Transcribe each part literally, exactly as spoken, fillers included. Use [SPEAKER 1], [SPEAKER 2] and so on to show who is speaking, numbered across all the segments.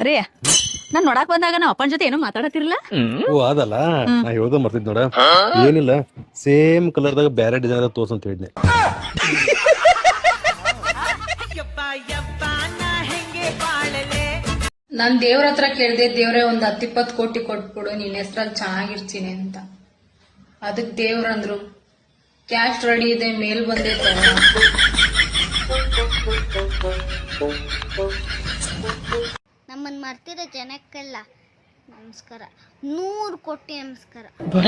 [SPEAKER 1] ರೀ ನಾನ್ ನೋಡಾಕ್ ಬಂದಾಗ ನಾವ್ ಅಪ್ಪನ ಜೊತೆ ಏನೋ ಮಾತಾಡತಿರ್ಲ.
[SPEAKER 2] ಓ ಅದಲ್ಲ ನಾ ಹೇಳ್ದ ಮರ್ತಿದ್ ನೋಡ ಏನಿಲ್ಲ ಸೇಮ್ ಕಲರ್ದಾಗ ಬ್ಯಾರೆ ಡಿಸೈನ್ ತೋರ್ಸ್ ಅಂತ ಹೇಳಿದ್ನೆ.
[SPEAKER 3] ನಾನ್ ದೇವ್ರ ಹತ್ರ ಕೇಳ್ದೆ, ದೇವ್ರೆ ಒಂದ್ ಹತ್ತಿಪ್ಪತ್ ಕೋಟಿ ಕೊಟ್ಬಿಡು, ನಿನ್ ಹೆಸ್ರಲ್ಲಿ ಚೆನ್ನಾಗಿರ್ತೀನಿ ಅಂತ. ಅದಕ್ ದೇವ್ರಂದ್ರು ಕ್ಯಾಶ್ ರೆಡಿ ಇದೆ, ಮೇಲ್ ಬಂದೆ ತಗೋ.
[SPEAKER 4] ನಮ್ಮನ್ನು ಮರ್ತಿರೋ ಜನಕ್ಕೆಲ್ಲ ನಮಸ್ಕಾರ, ನೂರು ಕೋಟಿ ನಮಸ್ಕಾರ.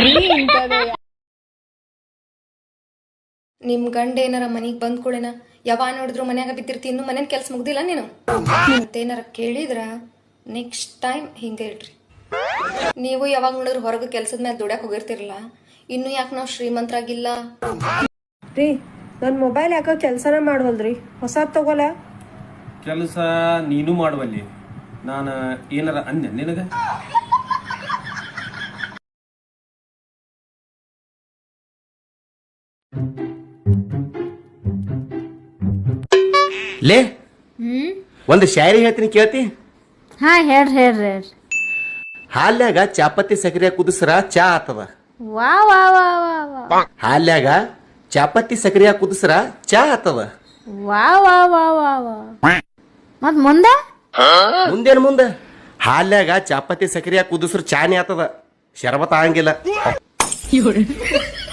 [SPEAKER 5] ನಿಮ್ ಗಂಡ ಏನಾರ ಮನಿಗ್ ಬಂದ್ ಕೂಡೇನ ಯಾವ ನೋಡಿದ್ರು ಮನ್ಯಾಗ ಬಿದ್ದಿರ್ತಿ, ಇನ್ನು ಮನೇನ್ ಕೆಲ್ಸ ಮುಗ್ದಿಲ್ಲ ನೀನು ಮತ್ತೇನಾರ ಕೇಳಿದ್ರ ನೆಕ್ಸ್ಟ್ ಟೈಮ್ ಹಿಂಗ ಇಡ್ರಿ. ನೀವು ಯಾವಾಗ ನೋಡಿದ್ರು ಹೊರಗೆ ಕೆಲ್ಸದ ಮೇಲೆ ದುಡ್ಯಾಕ್ ಹೋಗಿರ್ತಿರಲ್ಲ, ಇನ್ನು ಯಾಕೆ ನಾವು ಶ್ರೀಮಂತರಾಗಿಲ್ಲ
[SPEAKER 6] ರೀ? ನನ್ ಮೊಬೈಲ್ ಯಾಕ ಕೆಲ್ಸನ ಮಾಡವಲ್ರಿ, ಹೊಸಾದ್ ತಗೋಲ.
[SPEAKER 7] ಕೆಲಸ ನೀನು ಮಾಡುವಲ್ಲಿ, ನಾನು ಏನಾರ ಅಂದೆ ನಿನಗ?
[SPEAKER 8] ಲೇ ಒಂದು ಶಾಯರಿ ಹೇಳ್ತೀನಿ ಕೇಳ್ತಿ?
[SPEAKER 4] ಹಾ ಹೇಳ್ರಿ ಹೇಳ್ರಿ ಹೇಳ್ರಿ.
[SPEAKER 8] ಹಾಲ್ಯಾಗ ಚಾಪತ್ತಿ ಸಕ್ರಿಯ ಕುದಿಸ್ರ ಚಾ ಆತದ.
[SPEAKER 4] ವಾ ವಾ ವಾ ವಾ ವಾ.
[SPEAKER 8] ಹಾಲ್ಯಾಗ ಚಾಪತ್ತಿ ಸಕ್ರಿಯ ಕುದಿಸ್ರ ಚಾ ಆತದ.
[SPEAKER 4] ವಾ ವಾ ವಾ ವಾ ವಾ. ಮತ್ ಮುಂದೆ
[SPEAKER 8] ಮುಂದೇನು ಮುಂದೆ? ಹಾಲ್ಯಾಗ ಚಾಪತ್ತಿ ಸಕ್ರಿಯ ಕುದಿಸ್ರ ಚಾನೇ ಆತದ, ಶರಬತ್ ಆಗಂಗಿಲ್ಲ.